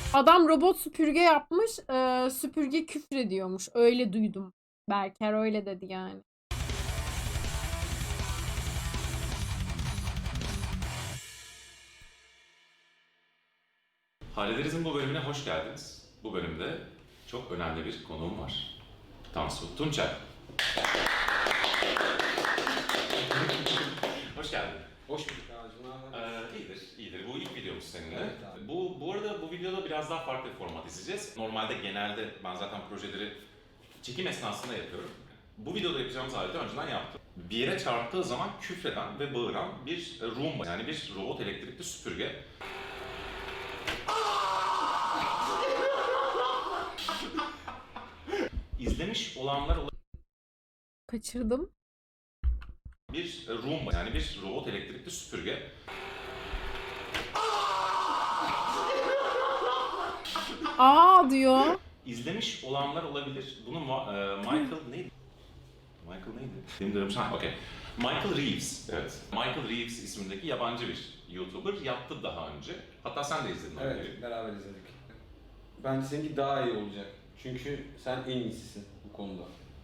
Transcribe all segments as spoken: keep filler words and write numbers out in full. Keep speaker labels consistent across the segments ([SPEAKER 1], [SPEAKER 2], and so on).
[SPEAKER 1] Adam robot süpürge yapmış. E, süpürge küfrediyormuş. Öyle duydum. Berker öyle dedi yani.
[SPEAKER 2] Hallederiz'in bu bölümüne hoş geldiniz. Bu bölümde çok önemli bir konuğum var. Tansu Tunçay. Hoş geldin.
[SPEAKER 3] Hoş bulduk abicim.
[SPEAKER 2] Ee, iyidir, iyidir. Bu ilk videomuz seninle.
[SPEAKER 3] Evet abi.
[SPEAKER 2] Bu, bu arada bu videoda biraz daha farklı bir format izleyeceğiz. Normalde genelde ben zaten projeleri çekim esnasında yapıyorum. Bu videoda yapacağımız aleti önceden yaptım. Bir yere çarptığı zaman küfreden ve bağıran bir Roomba, yani bir robot elektrikli süpürge. İzlemiş olanlar
[SPEAKER 1] Kaçırdım.
[SPEAKER 2] bir Roomba, yani bir robot elektrikli süpürge.
[SPEAKER 1] Aa diyor.
[SPEAKER 2] İzlemiş olanlar olabilir. Bunu Ma- e, Michael neydi? Michael neydi? Benim de ha, okey. Michael Reeves, evet. Michael Reeves ismindeki yabancı bir YouTuber yaptı daha önce. Hatta sen de izledin.
[SPEAKER 3] Evet,
[SPEAKER 2] Öyle.
[SPEAKER 3] beraber izledik. Bence seninki daha iyi olacak. Çünkü sen en iyisisin bu konuda.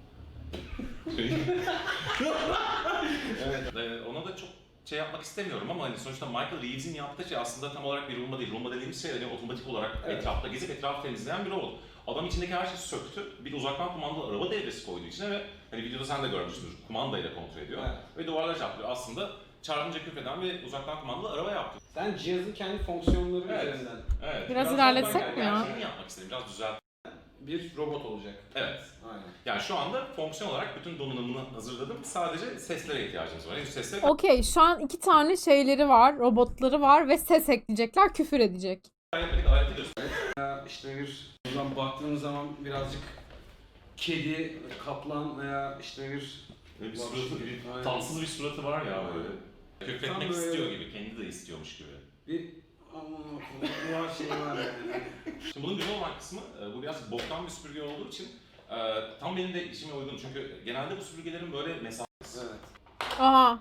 [SPEAKER 2] Evet. Ee, ona da çok şey yapmak istemiyorum ama hani sonuçta Michael Reeves'in yaptığı şey aslında tam olarak bir Roomba değil. Roomba dediğimiz şey hani otomatik olarak
[SPEAKER 3] Evet.
[SPEAKER 2] etrafta gezip etrafı temizleyen bir robot. Adam içindeki her şeyi söktü. Bir uzaktan kumandalı araba devresi koydu içine ve hani videoda sen de görmüşsündür. Kumandayla kontrol ediyor.
[SPEAKER 3] Evet.
[SPEAKER 2] Ve duvarlara çarpıyor. Aslında çarpınca küfreden ve uzaktan kumandalı araba yaptı.
[SPEAKER 3] Sen cihazın kendi fonksiyonları
[SPEAKER 2] Evet.
[SPEAKER 3] üzerinden
[SPEAKER 2] Evet.
[SPEAKER 1] Biraz ilerletsek
[SPEAKER 2] ben
[SPEAKER 1] mi ya?
[SPEAKER 2] gerçeğini yapmak istedim. Biraz düzelt.
[SPEAKER 3] bir robot olacak.
[SPEAKER 2] Evet.
[SPEAKER 3] Aynen.
[SPEAKER 2] Yani şu anda fonksiyon olarak bütün donanımını hazırladım. Sadece seslere ihtiyacımız var. Henüz sesleri
[SPEAKER 1] Okey, şu an iki tane şeyleri var, robotları var ve ses ekleyecekler, küfür edecek.
[SPEAKER 2] kaybetmedik. Aleti göster.
[SPEAKER 3] Ya işte bir buradan baktığın zaman birazcık kedi, kaplan veya işte bir
[SPEAKER 2] Böyle bir suratı, bir
[SPEAKER 3] Aynen.
[SPEAKER 2] tatsız bir suratı var ya böyle. Kökletmek
[SPEAKER 3] Tam böyle-
[SPEAKER 2] istiyor gibi, kendi de istiyormuş gibi.
[SPEAKER 3] bir aman var şey var yani.
[SPEAKER 2] Şimdi bunun güzel olan kısmı, e, bu biraz boktan bir süpürge olduğu için e, tam benim de işime uygun. Çünkü genelde bu süpürgelerin böyle mesafe...
[SPEAKER 3] Evet.
[SPEAKER 1] Aha.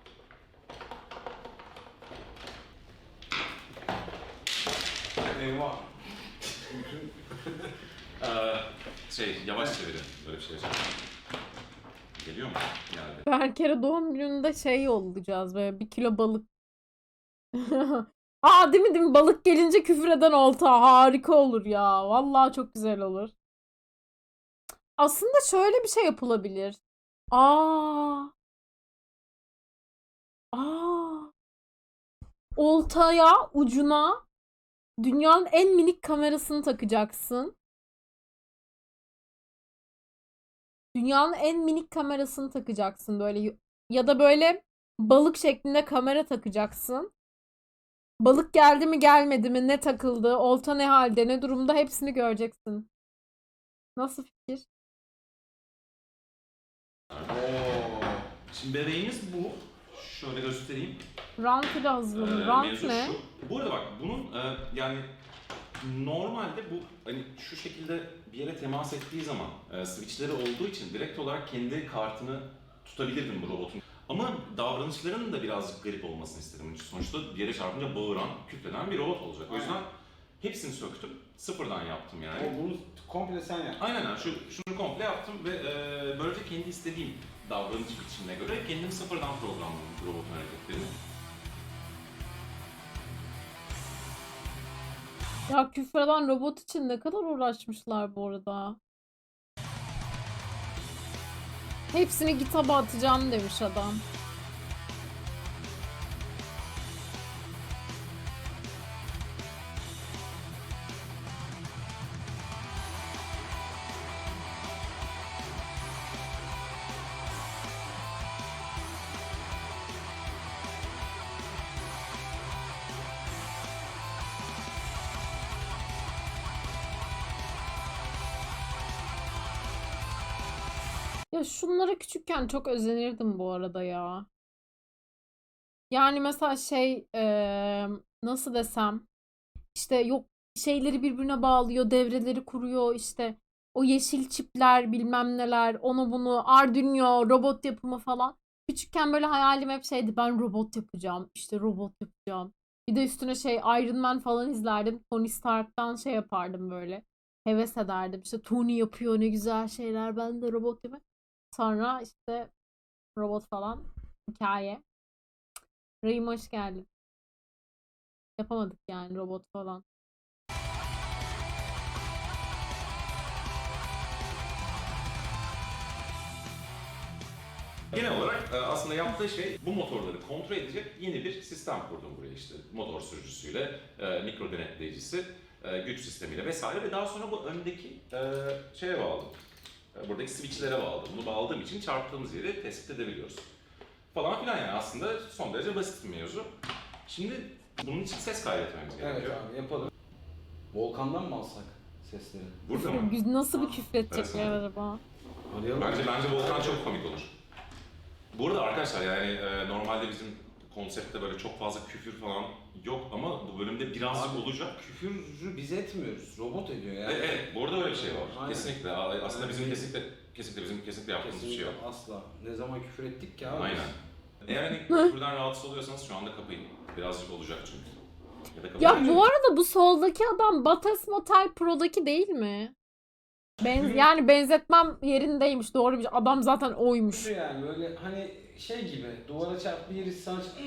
[SPEAKER 3] Eyvah.
[SPEAKER 2] e, şey, yavaş çevirin böyle bir şey yapacağım. Geliyor mu? Geldi.
[SPEAKER 1] Berker'e doğum gününde şey yollayacağız, böyle bir kilo balık. Aa değil mi değil mi? Balık gelince küfür eden olta. Harika olur ya. Vallahi çok güzel olur. Aslında şöyle bir şey yapılabilir. Aa. Aa. Oltaya, ucuna dünyanın en minik kamerasını takacaksın. Dünyanın en minik kamerasını takacaksın böyle, ya da böyle balık şeklinde kamera takacaksın. Balık geldi mi gelmedi mi, ne takıldı, olta ne halde, ne durumda, hepsini göreceksin. Nasıl fikir?
[SPEAKER 3] Oo.
[SPEAKER 2] Şimdi bebeğimiz bu. Şöyle göstereyim.
[SPEAKER 1] Rant ile
[SPEAKER 2] Ee,
[SPEAKER 1] hazırlanıyor. Rant
[SPEAKER 2] mevzu
[SPEAKER 1] ne?
[SPEAKER 2] şu. Bu arada bak bunun e, yani normalde bu hani şu şekilde bir yere temas ettiği zaman e, switchleri olduğu için direkt olarak kendi kartını tutabilirdim bu robotun. Ama davranışlarının da birazcık garip olmasını istedim. Çünkü sonuçta bir yere çarpınca bağıran, kükreden bir robot olacak. O yüzden hepsini söktüm. Sıfırdan yaptım yani.
[SPEAKER 3] O bunu komple sen yap.
[SPEAKER 2] Aynen öyle. Şu, şunu komple yaptım ve e, böylece kendi istediğim davranış biçimine göre kendim sıfırdan programladım bu robotun hareketlerini.
[SPEAKER 1] Ya küfreden robot için ne kadar uğraşmışlar bu arada. Hepsini GitHub'a atacağım demiş adam. Ya şunlara küçükken çok özenirdim bu arada ya. Yani mesela şey eee, nasıl desem, işte yok şeyleri birbirine bağlıyor, devreleri kuruyor, işte o yeşil çipler bilmem neler, onu bunu, Arduino, robot yapımı falan. Küçükken böyle hayalim hep şeydi, ben robot yapacağım, işte robot yapacağım. Bir de üstüne şey Iron Man falan izlerdim. Tony Stark'tan şey yapardım böyle. Heves ederdim. İşte Tony yapıyor ne güzel şeyler. Ben de robot gibi. Sonra işte robot falan. Hikaye. Rahim hoş geldin. Yapamadık yani robot falan.
[SPEAKER 2] Genel olarak e, aslında yaptığı şey bu motorları kontrol edecek yeni bir sistem kurdum buraya işte. Motor sürücüsüyle, e, mikro denetleyicisi, e, güç sistemiyle vesaire ve daha sonra bu öndeki e, şeye bağladım. E, buradaki switchlere bağladım. Bunu bağladığım için çarptığımız yeri tespit edebiliyoruz. Falan filan yani aslında son derece basit bir mevzu. Şimdi bunun için ses kaydetmemiz
[SPEAKER 3] Evet
[SPEAKER 2] gerekiyor.
[SPEAKER 3] abi yapalım. Volkan'dan mı alsak sesleri?
[SPEAKER 2] Burada mı?
[SPEAKER 1] Güz- Nasıl bir küfredecekler
[SPEAKER 2] Evet.
[SPEAKER 1] acaba?
[SPEAKER 3] Arayalım.
[SPEAKER 2] Bence bence Volkan çok komik olur. Bu arada arkadaşlar yani e, normalde bizim konseptte böyle çok fazla küfür falan yok ama bu bölümde birazcık
[SPEAKER 3] Abi,
[SPEAKER 2] olacak.
[SPEAKER 3] Küfürü biz etmiyoruz. Robot ediyor yani.
[SPEAKER 2] Evet, evet, bu arada öyle bir şey var.
[SPEAKER 3] Aynen.
[SPEAKER 2] Kesinlikle. A- Aslında bizim
[SPEAKER 3] Aynen.
[SPEAKER 2] kesinlikle kesinlikle bizim kesinlikle yaptığımız bir şey yok.
[SPEAKER 3] Kesinlikle asla. Ne zaman küfür ettik ki abi?
[SPEAKER 2] Aynen. Eğer hani küfürden rahatsız oluyorsanız şu anda kapayın. Birazcık olacak çünkü. Ya da kapayın.
[SPEAKER 1] Ya bu arada bu soldaki adam Bates Motel Pro'daki değil mi? Ben, yani benzetmem yerindeymiş. Doğru bir adam zaten oymuş.
[SPEAKER 3] Küfür yani böyle hani şey gibi duvara çarp bir yeri sana çarp-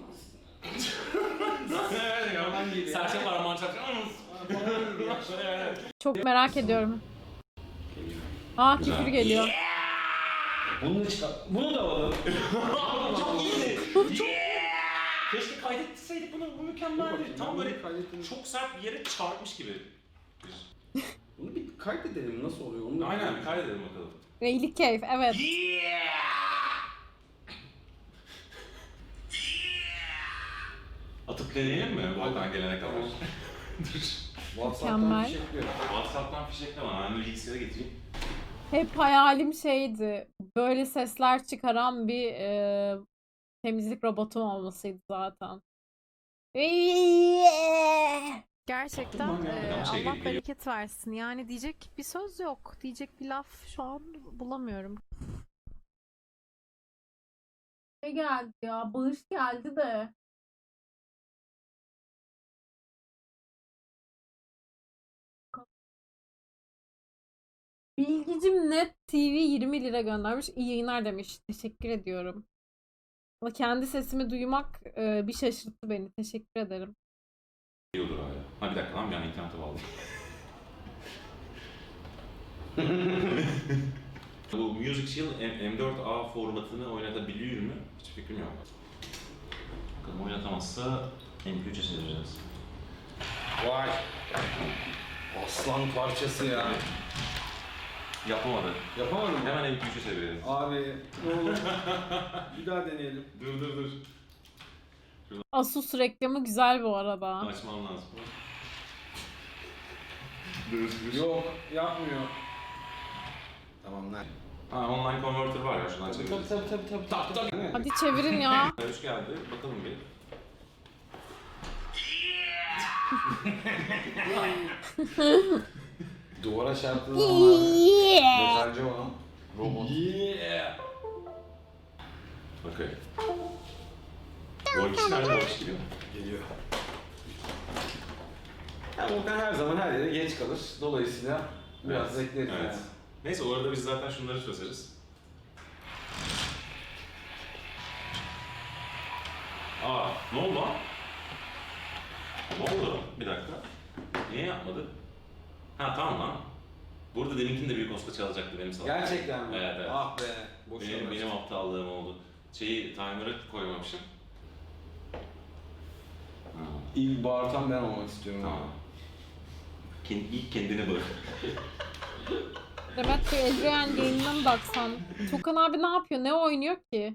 [SPEAKER 3] falan gibi.
[SPEAKER 2] Serçe parmağını çarptı.
[SPEAKER 3] falan gibi ya.
[SPEAKER 1] Çok merak ediyorum. Aa
[SPEAKER 2] Güzel.
[SPEAKER 1] küfür geliyor.
[SPEAKER 3] Bunu da çıkar. Bunu da alalım.
[SPEAKER 2] Çok iyiydi. Çok Keşke kaydetseydik bunu. Bu mükemmeldi. Tam böyle
[SPEAKER 3] kaydettim.
[SPEAKER 2] çok sert bir yere çarpmış gibi.
[SPEAKER 3] Bunu bir kaydedelim nasıl oluyor onu da.
[SPEAKER 2] Aynen bir kaydedelim bakalım.
[SPEAKER 1] Reyli keyif evet.
[SPEAKER 2] Atıp deneyelim mi Volkan gelene kadar?
[SPEAKER 3] Tamam.
[SPEAKER 2] Dur.
[SPEAKER 3] WhatsApp'tan
[SPEAKER 1] Mükemmel.
[SPEAKER 3] bir şey yapıyor.
[SPEAKER 2] WhatsApp'tan fişekle bana. Ben de bilgisayara getireyim.
[SPEAKER 1] Hep hayalim şeydi. Böyle sesler çıkaran bir e, temizlik robotum olmasıydı zaten. Gerçekten
[SPEAKER 2] Tamam ya,
[SPEAKER 1] e,
[SPEAKER 2] tamam, şey
[SPEAKER 1] Allah
[SPEAKER 2] geliyor.
[SPEAKER 1] bereket versin. Yani diyecek bir söz yok. Diyecek bir laf şu an bulamıyorum. Ne geldi ya? Bağış geldi de. Bilgicim Net T V yirmi lira göndermiş. İyi yayınlar demiş. Teşekkür ediyorum. Ama kendi sesimi duymak e, bir şaşırttı beni. Teşekkür ederim.
[SPEAKER 2] İyi olur hala. Ha bir dakika lan bir an internete bağladım. Bu Music Shield M dört A formatını oynatabiliyor mu? Hiç fikrim yok. Bakalım oynatamazsa M P üç'e çevireceğiz.
[SPEAKER 3] Vay. Aslan parçası ya.
[SPEAKER 2] Yapamadı.
[SPEAKER 3] Yapamadın mı?
[SPEAKER 2] Hemen M P üç'e çevirelim.
[SPEAKER 3] Abi ne olur. Bir daha deneyelim.
[SPEAKER 2] Dur dur dur.
[SPEAKER 1] Asus reklamı güzel bu arada.
[SPEAKER 2] Açmam lazım. Dur dur.
[SPEAKER 3] Yok yapmıyor. Tamam lan.
[SPEAKER 2] Ha online converter var ya şuradan
[SPEAKER 3] Tabii
[SPEAKER 2] çeviririz.
[SPEAKER 3] tabii tabii tabii tabii. tabii, tabii.
[SPEAKER 1] Hadi çevirin ya.
[SPEAKER 2] Hoş geldi. Bakalım bir.
[SPEAKER 3] Duvara çarptığı zaman abi. Metalci olan robot.
[SPEAKER 2] Yeah. Okey. Volkiş nerede? Volkiş geliyor.
[SPEAKER 3] Geliyor. Ya Volkan her zaman her yere geç kalır. Dolayısıyla biraz
[SPEAKER 2] Evet,
[SPEAKER 3] bekleriz
[SPEAKER 2] evet.
[SPEAKER 3] yani.
[SPEAKER 2] Neyse o arada biz zaten şunları çözeriz. Aa, ne oldu lan? Ne oldu? Bir dakika. Niye yapmadı? Ha tamam lan. Burada deminkini de büyük olsa çalacaktı benim salak.
[SPEAKER 3] Gerçekten mi?
[SPEAKER 2] Evet, evet.
[SPEAKER 3] Ah be. Boşuna
[SPEAKER 2] Benim,
[SPEAKER 3] uğraştım.
[SPEAKER 2] benim aptallığım oldu. Şeyi timer'ı koymamışım. Ha,
[SPEAKER 3] İlk bağırtan ben olmak istiyorum.
[SPEAKER 2] tamam. Kendi, ilk kendine bak.
[SPEAKER 1] Demet Bey Eldrayan yayınına mı baksan? Tukan abi ne yapıyor? Ne oynuyor ki?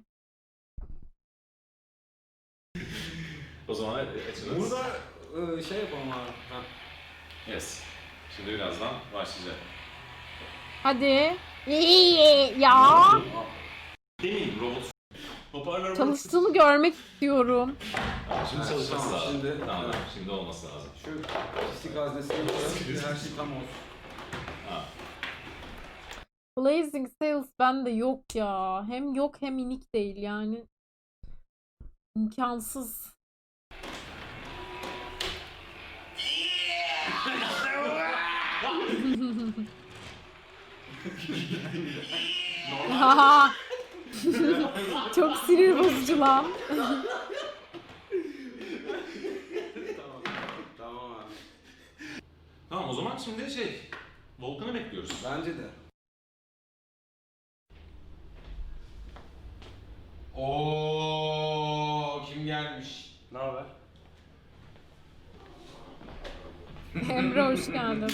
[SPEAKER 2] O zaman açınız.
[SPEAKER 3] Burada e, şey yapalım abi. Ha.
[SPEAKER 2] Yes. Şimdi birazdan başlayacak.
[SPEAKER 1] Hadi. Ya.
[SPEAKER 2] Demin robot hoparlör
[SPEAKER 1] Çalıştığını görmek istiyorum.
[SPEAKER 2] Tamam, şimdi
[SPEAKER 3] Evet,
[SPEAKER 2] çalışması
[SPEAKER 3] tamam,
[SPEAKER 2] lazım.
[SPEAKER 3] şimdi-
[SPEAKER 2] tamam,
[SPEAKER 3] evet.
[SPEAKER 2] şimdi olması lazım.
[SPEAKER 3] Şu pislik haznesini koyalım. Her şey tam olsun.
[SPEAKER 2] Ha.
[SPEAKER 1] Blazing Sales bende yok ya. Hem yok hem inik değil yani. İmkansız. Haha. Çok sinir bozucu lan.
[SPEAKER 3] Tamam. Tamam abi.
[SPEAKER 2] Tamam o zaman şimdi şey, Volkan'ı bekliyoruz.
[SPEAKER 3] Bence de. Oo, kim gelmiş?
[SPEAKER 4] Ne haber?
[SPEAKER 1] Emre hoş geldin.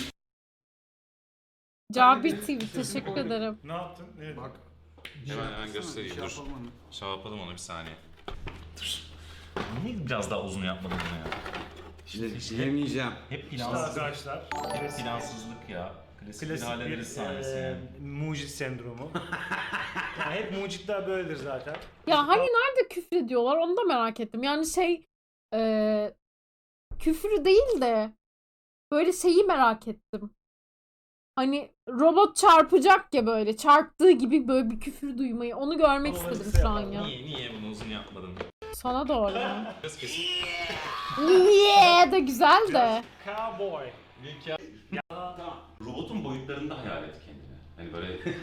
[SPEAKER 1] Cabir T V teşekkür ederim.
[SPEAKER 4] Ne yaptın? Ne
[SPEAKER 3] Bak.
[SPEAKER 2] Hemen hemen göstereyim, dur. Şey yapalım onu bir saniye. Dur. Niye biraz daha uzun yapmadın bunu ya?
[SPEAKER 3] İşte yemeyeceğim.
[SPEAKER 2] Hep
[SPEAKER 4] İşte
[SPEAKER 2] plansızlık.
[SPEAKER 4] arkadaşlar.
[SPEAKER 2] Hep
[SPEAKER 4] Klasik,
[SPEAKER 2] plansızlık ya. Klasik, bir
[SPEAKER 4] klasik bir
[SPEAKER 2] hallederiz sahnesi
[SPEAKER 4] e,
[SPEAKER 2] yani.
[SPEAKER 4] mucit sendromu. Yani hep mucitler böyledir zaten.
[SPEAKER 1] Ya hani nerede küfür ediyorlar onu da merak ettim. Yani şey eee küfür değil de böyle şeyi merak ettim. Hani robot çarpacak ya böyle çarptığı gibi böyle bir küfür duymayı onu görmek
[SPEAKER 4] Onları
[SPEAKER 1] istedim
[SPEAKER 4] kısa
[SPEAKER 1] şu an
[SPEAKER 4] yapalım.
[SPEAKER 1] ya.
[SPEAKER 2] Niye, niye bunu uzun yapmadın?
[SPEAKER 1] Sana doğru.
[SPEAKER 2] Biraz kesin.
[SPEAKER 1] Niye de güzel de.
[SPEAKER 4] Cowboy.
[SPEAKER 2] Robotun boyutlarında hayal et kendini. Hani böyle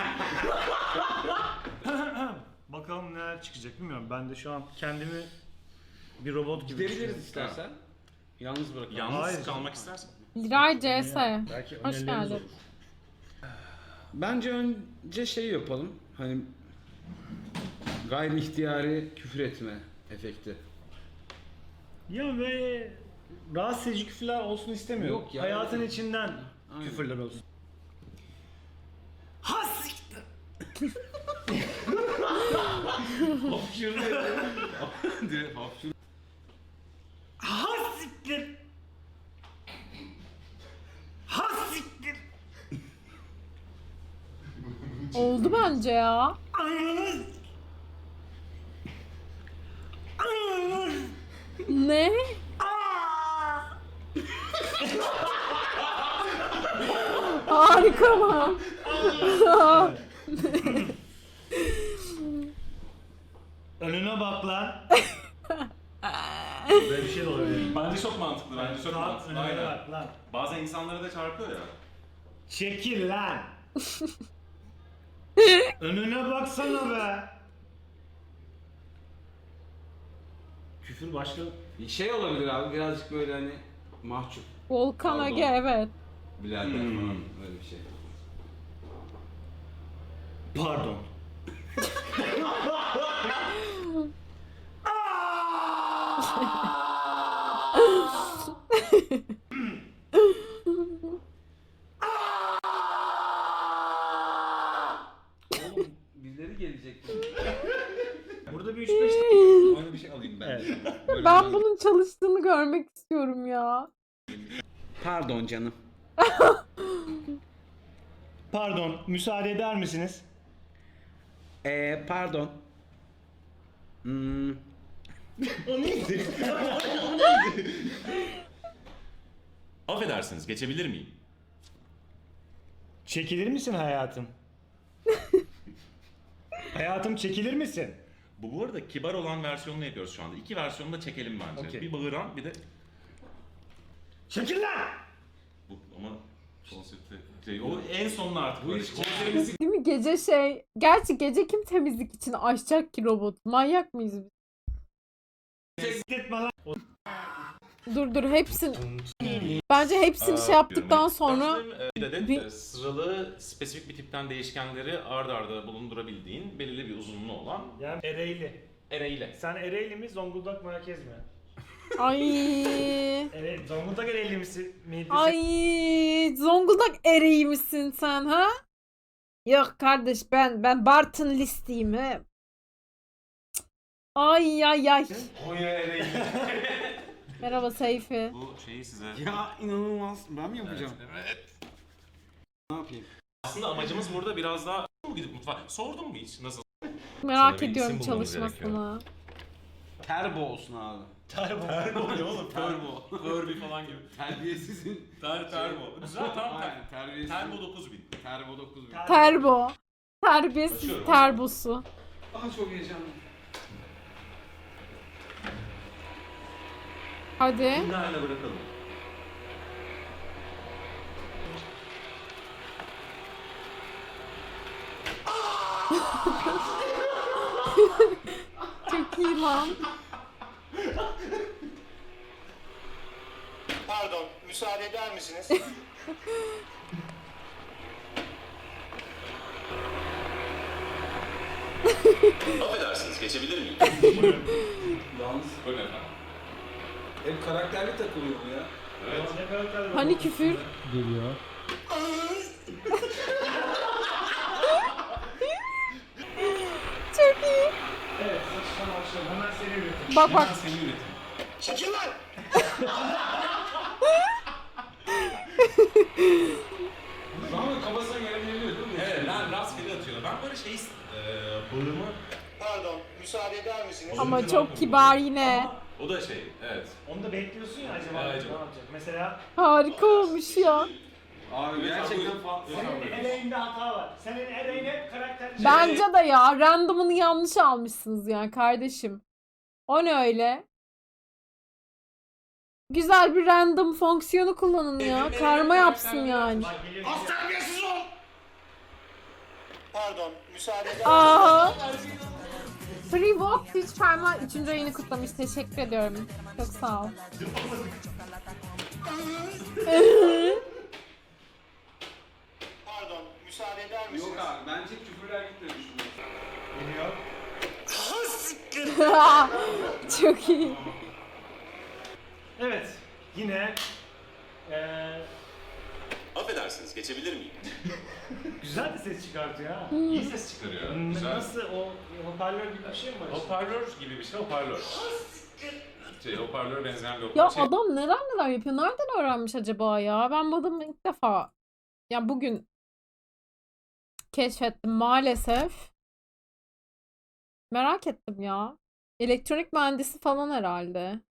[SPEAKER 4] Bakalım neler çıkacak bilmiyorum. Ben de şu an kendimi bir robot gibi
[SPEAKER 3] Gidebiliriz
[SPEAKER 4] düşünüyorum.
[SPEAKER 3] istersen. Yalnız bırakalım.
[SPEAKER 2] yalnız
[SPEAKER 4] Hayır.
[SPEAKER 2] kalmak istersen.
[SPEAKER 1] Liray C S.
[SPEAKER 4] Belki
[SPEAKER 1] Hoş
[SPEAKER 4] önerileriniz
[SPEAKER 1] geldin.
[SPEAKER 4] olur.
[SPEAKER 3] Bence önce şey yapalım. Hani gayri ihtiyari küfür etme efekti.
[SPEAKER 4] Ya böyle rahatsız edici küfürler olsun istemiyorum.
[SPEAKER 3] Yok ya.
[SPEAKER 4] Hayatın içinden
[SPEAKER 3] Aynen.
[SPEAKER 4] küfürler olsun. Ha siktir.
[SPEAKER 3] Hapşırdı. Direkt hapşırdı.
[SPEAKER 4] Ha siktir. Ha siktir.
[SPEAKER 1] Oldu bence ya.
[SPEAKER 4] Ananız. Ananız.
[SPEAKER 1] Ne?
[SPEAKER 4] Aa!
[SPEAKER 1] Harika mı?
[SPEAKER 4] Önüne bak lan. Böyle bir şey de olabilir.
[SPEAKER 2] Bence çok mantıklı, bence çok
[SPEAKER 4] Lan,
[SPEAKER 2] mantıklı.
[SPEAKER 4] önüne
[SPEAKER 2] Aynen.
[SPEAKER 4] bak lan.
[SPEAKER 2] Bazen insanlara da çarpıyor ya.
[SPEAKER 4] Çekil lan. Önüne baksana be. Küfür başka.
[SPEAKER 3] Şey olabilir abi birazcık böyle hani mahcup.
[SPEAKER 1] Volkan
[SPEAKER 3] Pardon.
[SPEAKER 1] Ege evet.
[SPEAKER 3] Birader
[SPEAKER 2] Hmm.
[SPEAKER 3] falan öyle bir şey.
[SPEAKER 4] Pardon.
[SPEAKER 3] Oğlum birileri gelecek.
[SPEAKER 4] Burada bir üç beş
[SPEAKER 3] Öyle bir şey alayım ben.
[SPEAKER 4] Evet.
[SPEAKER 3] Böyle
[SPEAKER 1] Ben
[SPEAKER 3] bir-
[SPEAKER 1] bunun çalıştığını görmek istiyorum ya.
[SPEAKER 3] Pardon canım.
[SPEAKER 4] Pardon, müsaade eder misiniz?
[SPEAKER 3] Ee, pardon. Hmm,
[SPEAKER 4] O neydi?
[SPEAKER 2] Affedersiniz, geçebilir miyim?
[SPEAKER 4] Çekilir misin hayatım? Hayatım çekilir misin?
[SPEAKER 2] Bu bu arada kibar olan versiyonunu yapıyoruz şu anda. İki versiyonu da çekelim bence.
[SPEAKER 4] Okey.
[SPEAKER 2] Bir bağıran, bir de
[SPEAKER 4] Çekil lan!
[SPEAKER 2] bu ama konsepti şey, o en sonuna artık böyle konserimizi
[SPEAKER 1] Değil mi gece şey. Gerçi gece kim temizlik için açacak ki robot? Manyak mıyız biz?
[SPEAKER 4] Etme lan!
[SPEAKER 1] Dur dur hepsini. Bence hepsini şey yaptıktan sonra
[SPEAKER 2] bir adet
[SPEAKER 1] bir-
[SPEAKER 2] e, sıralı spesifik bir tipten değişkenleri ard arda bulundurabildiğin belirli bir uzunluğu olan
[SPEAKER 4] Yani Ereğli.
[SPEAKER 2] array'le.
[SPEAKER 4] Sen Ereğli mi, Zonguldak merkez mi?
[SPEAKER 1] ay
[SPEAKER 4] Ere Zonguldak Ereğli misin? Miydi?
[SPEAKER 1] ay Zonguldak ereği misin sen ha? Yok kardeş ben ben Bartın listeyim he. Cık. Ay ay ay.
[SPEAKER 2] Konya array'le.
[SPEAKER 1] Merhaba Seyfi.
[SPEAKER 2] Bu şeyi size...
[SPEAKER 3] ya inanılmaz. Ben mi yapacağım?
[SPEAKER 2] Evet.
[SPEAKER 3] Ne yapayım?
[SPEAKER 2] Aslında amacımız burada biraz daha... Gidip mutfağa... Sordun mu hiç? Nasıl?
[SPEAKER 1] Merak
[SPEAKER 2] Sana bir
[SPEAKER 1] ediyorum
[SPEAKER 2] isim bulmamız
[SPEAKER 1] çalışmasını.
[SPEAKER 3] Terbo olsun abi.
[SPEAKER 4] Terbo.
[SPEAKER 2] Terbo ne oğlum?
[SPEAKER 3] Terbo.
[SPEAKER 2] Furby falan gibi.
[SPEAKER 3] Terbiyesizin.
[SPEAKER 2] Ter, terbo. Güzel tamam. ter-
[SPEAKER 3] Aynen terbiyesiz.
[SPEAKER 2] Terbo dokuz bin.
[SPEAKER 3] Terbo dokuz bin.
[SPEAKER 1] Terbo. Terbiyesiz
[SPEAKER 2] Açıyorum.
[SPEAKER 1] terbosu.
[SPEAKER 3] Aha çok heyecanlı.
[SPEAKER 1] Hadi.
[SPEAKER 2] Bunlarla bırakalım.
[SPEAKER 1] Çok iyi lan.
[SPEAKER 5] Pardon, müsaade eder misiniz?
[SPEAKER 2] Affedersiniz, geçebilir miyim?
[SPEAKER 3] Yalnız
[SPEAKER 2] Buyurun efendim.
[SPEAKER 3] hep karakterli takılıyor bu ya.
[SPEAKER 2] Evet.
[SPEAKER 4] Ne karakter var?
[SPEAKER 1] Hani küfür?
[SPEAKER 6] Geliyor.
[SPEAKER 1] Çok iyi.
[SPEAKER 4] Evet, saçtan başlayalım. Hemen seri üretim.
[SPEAKER 1] Bak bak.
[SPEAKER 2] Hemen seni üretim.
[SPEAKER 5] Çekil lan!
[SPEAKER 3] Zaman kafasına gelebiliyor değil mi?
[SPEAKER 2] Evet, ben rastgele atıyorum. Ben böyle şey, e, bağımı...
[SPEAKER 5] Pardon, müsaade eder misiniz?
[SPEAKER 1] Ama çok kibar yine.
[SPEAKER 2] O da şey, evet.
[SPEAKER 4] Onu da bekliyorsun ya acaba
[SPEAKER 2] Ya,
[SPEAKER 4] ne
[SPEAKER 2] acaba.
[SPEAKER 4] yapacak? Mesela
[SPEAKER 1] Harika olmuş ya.
[SPEAKER 3] Abi gerçekten fa-
[SPEAKER 4] senin eleğinde hata var. Senin eleğine karakter...
[SPEAKER 1] Bence de ya. Random'ını yanlış almışsınız ya kardeşim. O ne öyle? Güzel bir random fonksiyonu kullanın ya. Karma yapsın yani.
[SPEAKER 4] Bak geliyor.
[SPEAKER 5] Az terbiyesiz ol! Pardon, müsaade eder
[SPEAKER 1] Aa. Free Walk Twitch Prime'la üçüncü ayını kutlamış. Teşekkür ediyorum. Çok sağ ol.
[SPEAKER 5] Pardon, müsaade eder misiniz?
[SPEAKER 3] Yok abi bence küfürler gitmemiş.
[SPEAKER 4] Geliyor.
[SPEAKER 1] Çok iyi.
[SPEAKER 4] Evet. Yine eee
[SPEAKER 2] Affedersiniz, geçebilir miyim?
[SPEAKER 4] güzel de ses çıkartıyor ha.
[SPEAKER 2] İyi ses çıkarıyor.
[SPEAKER 4] N-
[SPEAKER 2] Güzel.
[SPEAKER 4] Nasıl o hoparlör gibi bir şey mi var? işte?
[SPEAKER 2] Hoparlör gibi bir şey, hoparlör. Şey, hoparlöre benzeyen bir
[SPEAKER 1] Ya
[SPEAKER 2] hoparlör. Şey,
[SPEAKER 1] adam neler neler yapıyor. Nereden öğrenmiş acaba ya? Ben bu adamı ilk defa ya bugün keşfettim maalesef. Merak ettim ya. Elektronik mühendisi falan herhalde.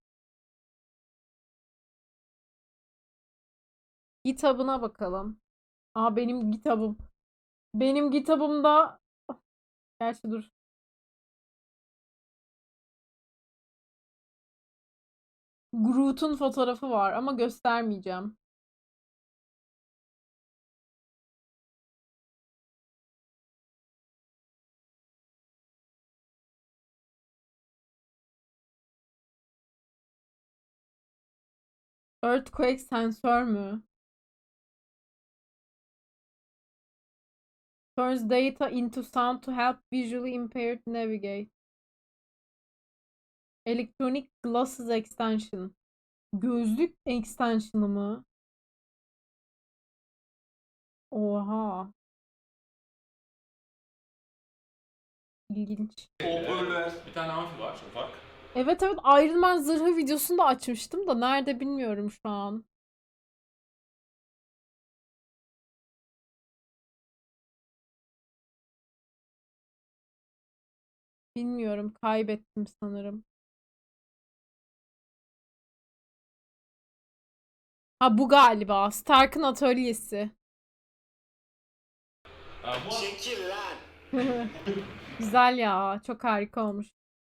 [SPEAKER 1] Kitabına bakalım. Aa benim kitabım. Benim kitabımda gerçi dur. Groot'un fotoğrafı var ama göstermeyeceğim. Earthquake sensör mü? Turns data into sound to help visually impaired navigate. Electronic glasses extension. Gözlük extension'ı mı? Oha. İlginç.
[SPEAKER 3] Hoparlör.
[SPEAKER 2] bir tane amfi var, ufak.
[SPEAKER 1] Evet evet Iron Man zırhı videosunu da açmıştım da nerede bilmiyorum şu an. Bilmiyorum kaybettim sanırım. Ha bu galiba Stark'ın atölyesi.
[SPEAKER 2] Ha, bu
[SPEAKER 5] Çekil lan!
[SPEAKER 1] Güzel ya çok harika olmuş.